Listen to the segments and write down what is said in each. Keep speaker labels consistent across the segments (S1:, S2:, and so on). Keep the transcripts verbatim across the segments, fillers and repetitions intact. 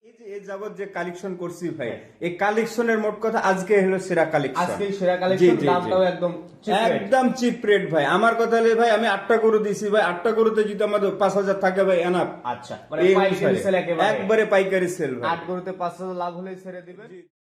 S1: এই যে এই যাবত যে কালেকশন করছি ভাই, এই কালেকশনের মোট কথা আজকে হলো সেরা কালেকশন।
S2: আজকে সেরা কালেকশন, দামটাও একদম চিপ রেট।
S1: একদম চিপ রেট ভাই। আমার কথা হলে ভাই আমি আটটা গরু দিছি ভাই, আটটা গরুতে যদি আমাদের পাঁচ হাজার থাকে ভাই এনাফ।
S2: আচ্ছা, মানে পাইকারি সেল একেবারে
S1: একবারে পাইকারি সেল ভাই।
S2: আট গরুতে পাঁচ হাজার লাভ হলেই ছেড়ে দিবেন।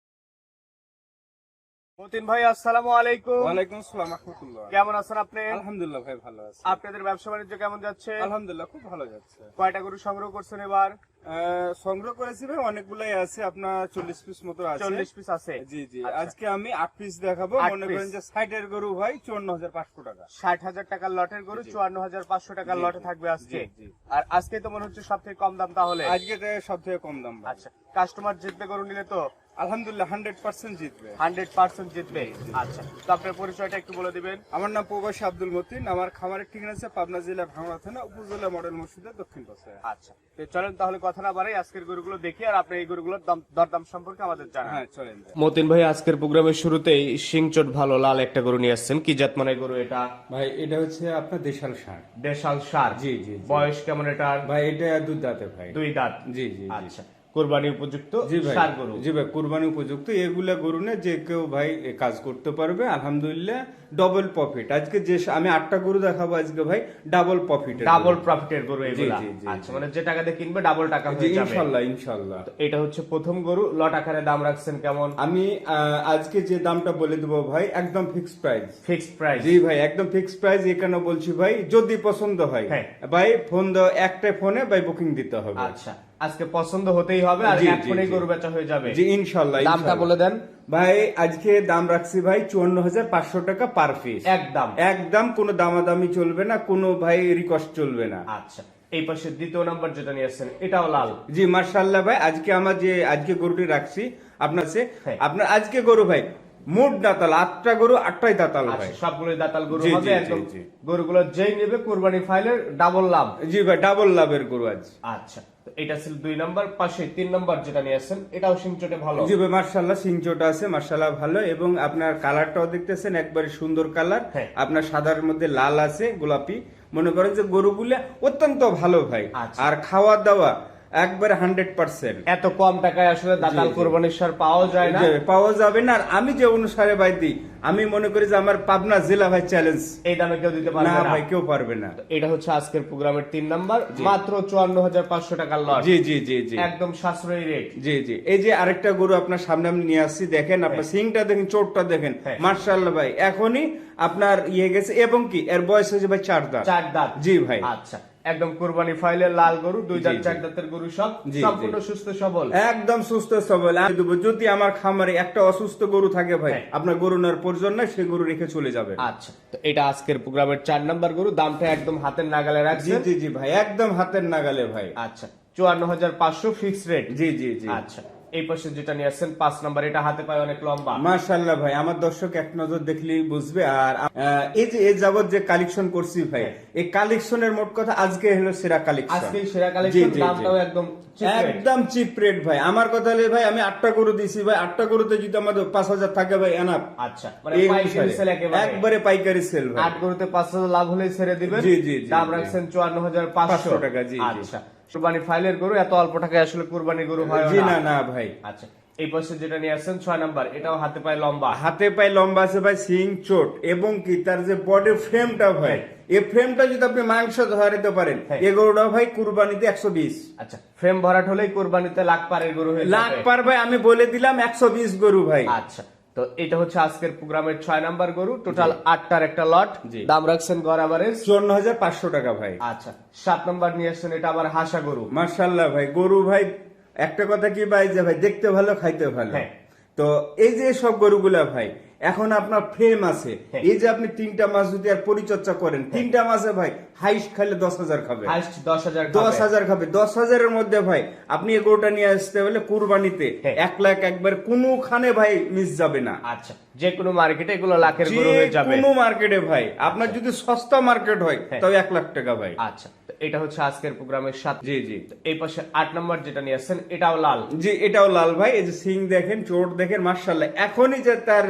S2: মতিন ভাই আসসালামু আলাইকুম।
S1: ওয়ালাইকুম আসসালাম রাহমাতুল্লাহ।
S2: কেমন আছেন আপনি?
S1: আলহামদুলিল্লাহ ভাই ভালো আছি।
S2: আপনাদের ব্যবসা বাণিজ্য কেমন যাচ্ছে?
S1: আলহামদুলিল্লাহ খুব ভালো যাচ্ছে।
S2: কয়টা গরু সংগ্রহ করছেন এবার?
S1: আহ, সংগ্রহ করেছি ভাই অনেকগুলাই আছে, আপনার চল্লিশ পিস মতো আছে।
S2: চল্লিশ পিস আছে।
S1: জি জি।
S2: আচ্ছা।
S1: আজকে আমি আট পিস দেখাবো।
S2: আট
S1: মনে
S2: piece।
S1: করেন যে সাইডের গরু ভাই চুয়ান্ন হাজার পাঁচশো টাকা।
S2: ষাট হাজার টাকার লটের গরু চুয়ান্ন হাজার পাঁচশো টাকার
S1: জি,
S2: লটে
S1: জি।
S2: থাকবে আজকে।
S1: জি, জি।
S2: আর আজকে তো মনে হচ্ছে সব থেকে কম দাম তাহলে।
S1: আজকে সব থেকে কম দাম ভাই।
S2: আচ্ছা, কাস্টমার জিতবে গরু নিলে তো?
S1: আলহামদুলিল্লাহ হান্ড্রেড পার্সেন্ট জিতবে।
S2: হান্ড্রেড পার্সেন্ট জিতবে। আচ্ছা, তো আপনার পরিচয়টা একটু বলে দিবেন।
S1: আমার নাম প্রবাসী আব্দুল মতিন। আমার খামারের ঠিকানা আছে পাবনা জেলা ভাঙড়া থানা উপজেলা মডেল মসজিদের দক্ষিণ পাশে।
S2: আচ্ছা, তো চলেন তাহলে কথা না বাড়াই আজকের গরুগুলো দেখি, আর আপনি এই গরুগুলোর দাম দরদাম সম্পর্কে আমাদের জানান।
S1: হ্যাঁ চলেন।
S2: মতিন ভাই আজকের প্রোগ্রামের শুরুতেই সিংচট ভালো লাল একটা গরু নিয়ে আসছেন। কি জাত মানে গরু এটা?
S1: ভাই এটা হচ্ছে আপনার দেশাল ষাঁড়।
S2: দেশাল সার।
S1: জি, জি, জি।
S2: বয়স কেমন এটার?
S1: ভাই এটা দুধ দাঁতে ভাই।
S2: দুই দাঁত।
S1: জি জি জি।
S2: আচ্ছা, কুরবানি উপযুক্ত
S1: জি ভাই।
S2: সার গরু।
S1: জি ভাই কুরবানি উপযুক্ত এগুলা গরু না, যে কেউ ভাই এ কাজ করতে পারবে। আলহামদুলিল্লাহ ডবল প্রফিট। আজকে যে আমি আটটা গরু দেখাবো আজকে ভাই ডাবল প্রফিট।
S2: ডাবল প্রফিটের গরু এগুলা।
S1: জি, জি,
S2: আচ্ছা,
S1: জি।
S2: মানে যে টাকা দিয়ে কিনবে ডাবল টাকা
S1: জি
S2: হয়ে যাবে।
S1: ইনশাআল্লাহ ইনশাআল্লাহ।
S2: তো এটা হচ্ছে প্রথম গরু। লট আকারে দাম রাখছেন কেমন?
S1: আমি আহ, আজকে যে দামটা বলে দেবো ভাই একদম ফিক্সড প্রাইস।
S2: Fixed price.
S1: জি ভাই একদম ফিক্সড প্রাইস। এখানে বলছি ভাই যদি পছন্দ হয়
S2: হ্যাঁ।
S1: ভাই ফোন দাও, একটা ফোনে ভাই বুকিং দিতে হবে।
S2: আচ্ছা, আজকে পছন্দ হতেই হবে আর
S1: জি, জি,
S2: এখনই
S1: জি।
S2: গরু বেচা হয়ে যাবে।
S1: জি ইনশাআল্লাহ।
S2: দামটা
S1: ইনশাআল্লাহ।
S2: বলে দেন
S1: ভাই আজকে দাম রাখছি ভাই চুয়ান্ন হাজার পাঁচশো টাকা পার পিস।
S2: একদম।
S1: একদম কোনো দামাদামি চলবে না, কোনো ভাই রিকোয়েস্ট চলবে না।
S2: আচ্ছা, এই পাশে দ্বিতীয় নাম্বার যেটা নিয়ে আসছেন এটাও লাল।
S1: জি মার্শাল্লাহ ভাই। আজকে আমার যে আজকে গরুটি রাখছি আপনার সে
S2: হ্যাঁ।
S1: আপনার আজকে গরু ভাই মোট দাতাল আটটা গরু, আটটাই দাতাল ভাই।
S2: আচ্ছা, সবগুলোই দাতাল গরু
S1: জি,
S2: হবে
S1: জি, জি,
S2: একদম।
S1: জি।
S2: গরুগুলো যেই নেবে কুরবানি ফাইলের ডাবল লাভ।
S1: জি ভাই ডাবল লাভের গরু আজ।
S2: আচ্ছা, তো এটা ছিল দুই নাম্বার। পাশে তিন নাম্বার যেটা নিয়ে আসছেন এটাও সিংচটে ভালো।
S1: জি ভাই মার্শাল্লাহ সিংচোটা আছে মার্শাল্লাহ ভালো, এবং আপনার কালারটাও দেখতেছেন একবারে সুন্দর কালার।
S2: হ্যাঁ।
S1: আপনার সাদার মধ্যে লাল আছে গোলাপি। মনে করেন যে গরুগুলা অত্যন্ত ভালো ভাই।
S2: আচ্ছা।
S1: আর খাওয়া দাওয়া একবারে হান্ড্রেড পার্সেন্ট
S2: এত কম টাকায় আসলে দাতাল
S1: জি, জি।
S2: কোরবানির সার পাওয়া যায় না।
S1: পাওয়া যাবে না। আর আমি যে অনুসারে ভাই দিই, আমি মনে করি যে আমার পাবনা জেলা ভাই চ্যালেঞ্জ।
S2: এই দামে কেউ দিতে পারবে
S1: না
S2: না।
S1: ভাই কেউ পারবে না।
S2: এটা হচ্ছে আজকের প্রোগ্রামের তিন নাম্বার, মাত্র চুয়ান্ন হাজার পাঁচশো টাকার লট।
S1: জি জি জি জি
S2: একদম সাশ্রয়ী রেট।
S1: জি জি। এই যে আরেকটা গরু আপনার সামনে আমি নিয়ে আসছি, দেখেন আপনার সিংটা দেখেন, চোটটা দেখেন
S2: হ্যাঁ।
S1: মার্শাল্লাহ ভাই। এখনই আপনার ইয়ে গেছে, এবং কি এর বয়স হয়েছে ভাই চার দাঁত।
S2: চার দাঁত।
S1: জি ভাই।
S2: আচ্ছা, একদম কুরবানি ফাইলের লাল গরু, দুই
S1: জি,
S2: দাঁত
S1: জি।
S2: চার দাঁতের গরু সব
S1: জি,
S2: সম্পূর্ণ
S1: জি।
S2: সুস্থ সবল।
S1: একদম সুস্থ সবল। আমি দেবো, যদি আমার খামারে একটা অসুস্থ গরু থাকে ভাই,
S2: হ্যাঁ।
S1: আপনার গরু নেওয়ার প্রয়োজন নাই, সে গরু রেখে চলে যাবে।
S2: আচ্ছা, তো এটা আজকের প্রোগ্রামের চার নাম্বার গরু। দামটা একদম হাতের নাগালে
S1: জি
S2: রাখছেন।
S1: জি জি ভাই একদম হাতের নাগালে ভাই।
S2: আচ্ছা, চুয়ান্ন হাজার পাঁচশো ফিক্স রেট।
S1: জি জি জি।
S2: আচ্ছা, এই পাশে যেটা নিয়ে আসছেন পাঁচ নাম্বার, এটা হাতে পায় অনেক লম্বা।
S1: মাশাআল্লাহ ভাই, আমার দর্শক এক নজর দেখলেই বুঝবে। আর আহ, এই যে এই যাবত যে কালেকশন করছি ভাই, এই কালেকশনের মোট কথা আজকে হলো সেরা কালেকশন।
S2: আজকে সেরা
S1: জি,
S2: কালেকশন,
S1: জি, জি।
S2: দামটাও একদম cheap rate।
S1: একদম চিপ রেট ভাই। আমার কথা হলে ভাই আমি আটটা গরু দিছি ভাই, আটটা গরুতে যদি আমাদের পাঁচ হাজার থাকে ভাই এনাফ।
S2: আচ্ছা, মানে
S1: এই
S2: পাইকারি
S1: অনুসারে।
S2: সেল একেবারে
S1: একবারে পাইকারি সেল ভাই।
S2: আট গরুতে পাঁচ হাজার লাভ হলেই ছেড়ে দিবেন।
S1: জি, জি, জি,
S2: দাম
S1: জি।
S2: রাখছেন চুয়ান্ন হাজার পাঁচশো
S1: পাঁচশো টাকা, জি, জি।
S2: আচ্ছা, কুরবানি ফাইলের গরু এত অল্প টাকায় আসলে কুরবানি গরু হয়
S1: জি
S2: না।
S1: না না ভাই।
S2: আচ্ছা, এই পাশে যেটা নিয়ে আসছেন ছয় নাম্বার, এটাও হাতে পায় লম্বা।
S1: হাতে পায়ে লম্বা আছে ভাই, সিং চোট, এবং কি তার যে বডি ফ্রেমটা ভাই, এই ফ্রেমটা যদি আপনি মাংস ধরাইতে পারেন,
S2: হ্যাঁ।
S1: এই গরুটা ভাই কুরবানিতে একশো বিশ।
S2: আচ্ছা, ফ্রেম ভরাট হলেই কুরবানিতে লাখ পারের গরু হয়ে
S1: লাখ
S2: যাবে।
S1: পার ভাই, আমি বলে দিলাম একশো বিশ গরু ভাই।
S2: আচ্ছা, তো এটা হচ্ছে আজকের প্রোগ্রামের ছয় নাম্বার গরু। টোটাল আটটার একটা লট।
S1: জি।
S2: দাম রাখছেন গড় এভারেজ
S1: চুয়ান্ন হাজার পাঁচশো টাকা ভাই।
S2: আচ্ছা, সাত নাম্বার নিয়ে আসছেন, এটা আবার হাসা গরু।
S1: মার্শাল্লাহ ভাই, গরু ভাই একটা কথা কি ভাই, যে ভাই দেখতে ভালো খাইতে ভালো।
S2: হ্যাঁ।
S1: তো এই যে সব গরুগুলা ভাই এখন আপনার ফ্রেম আছে,
S2: হ্যাঁ।
S1: এই যে আপনি তিনটা মাস যদি আর পরিচর্যা করেন, তিনটা মাসে ভাই হাইস্ট খাইলে দশ হাজার খাবে।
S2: হাইস্ট দশ হাজার
S1: দশ হাজার খাবে। দশ হাজারের মধ্যে ভাই আপনি এই গরুটা নিয়ে আসতে হলে কুরবানিতে
S2: হ্যাঁ।
S1: এক লাখ একবার কোনোখানে ভাই মিস যাবে না।
S2: আচ্ছা, যে কোনো মার্কেটে এগুলো লাখের
S1: যে
S2: গরু হয়ে যাবে।
S1: কোনো মার্কেটে ভাই আপনার যদি সস্তা মার্কেট হয়
S2: হ্যাঁ।
S1: তবে এক লাখ টাকা ভাই।
S2: আচ্ছা, তো এটা হচ্ছে আজকের প্রোগ্রামের সাত।
S1: জি জি
S2: এই পাশে আট নাম্বার যেটা নিয়ে আসছেন এটাও লাল।
S1: জি এটাও লাল ভাই। এই যে সিং দেখেন, চোট দেখেন, মার্শাল্লাহ। এখনই যে তার যে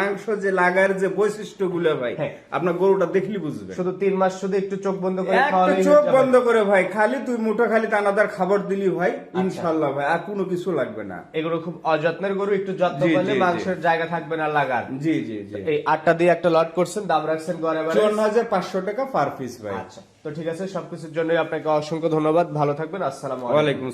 S1: মাংস যে লাগার যে বৈশিষ্ট্য গুলো ভাই
S2: হ্যাঁ।
S1: আপনার গরুটা দেখলি বুঝবে।
S2: শুধু তিন মাস শুধু একটু চোখ বন্ধ করে
S1: একটা
S2: খাওয়ালেই
S1: চোখ
S2: হয়ে যাবে।
S1: বন্ধ করে ভাই খালি তুই মুঠো খালি দানাদার খাবার দিলি ভাই ইনশাল্লাহ ভাই আর কোনো কিছু লাগবে না।
S2: এগুলো খুব অযত্নের গরু, একটু যত্ন
S1: জি,
S2: করলে
S1: জি, জি।
S2: মাংসের জায়গা থাকবে না লাগার।
S1: জি জি জি
S2: এই আটটা দিয়ে একটা লট করছেন, দাম রাখছেন গড়ে বাড়ে
S1: চুয়ান্ন হাজার পাঁচশো টাকা পার পিস ভাই।
S2: আচ্ছা, তো ঠিক আছে, সবকিছুর জন্য আপনাকে অসংখ্য ধন্যবাদ, ভালো থাকবেন, আসসালামু আলাইকুম।
S1: ওয়ালাইকুম